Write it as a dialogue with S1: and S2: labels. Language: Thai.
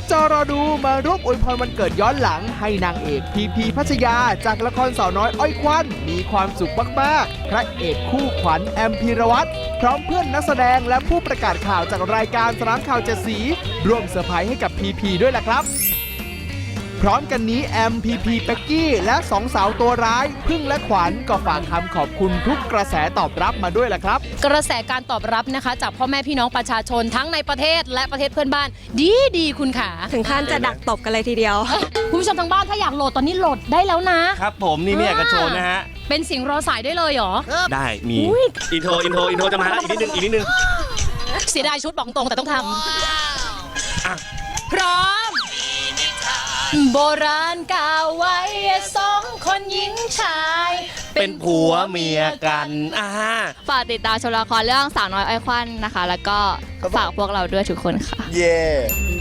S1: จอรอดูมาร่วมอวยพรวันเกิดย้อนหลังให้นางเอกพีพีพัชยาจากละครสาวน้อยอ้อยควันมีความสุขมากๆพระเอกคู่ขวัญแอมพีรวัตรพร้อมเพื่อนนักแสดงและผู้ประกาศข่าวจากรายการสนามข่าวเจ็ดสีร่วมเซอร์ไพรส์ให้กับพีพีด้วยล่ะครับพร้อมกันนี้แอมพีพีเป็กกี้และสองสาวตัวร้ายพึ่งและขวัญก็ฝากคำขอบคุณทุกกระแสตอบรับมาด้วยล่ะครับ
S2: กระแสการตอบรับนะคะจากพ่อแม่พี่น้องประชาชนทั้งในประเทศและประเทศเพื่อนบ้านดีคุณขา
S3: ถึงขั้นจะดักตบกันเลยทีเดียว
S2: คุณผู้ชมทางบ้านถ้าอยากโหลดตอนนี้โหลดได้แล้วนะครับ
S4: ผมนี่ไม่อยากจะโชว์นะฮะ
S2: เป็นเสียงรอสายได้เลยเหรอ
S4: ได้มีอินโทรจะมาแล้วอีกนิดนึง
S2: เสียดายชุดบอกตรงแต่ต้องทำพร้อมโบราณกล่าวไว้สองคนหญิงชาย
S4: เป็นผัวเมียกัน
S3: ฝากติดตามชมละครเรื่องสาวน้อยอ้อยควันนะคะแล้วก็ฝากพวกเราด้วยทุกคนค่ะ
S4: เย่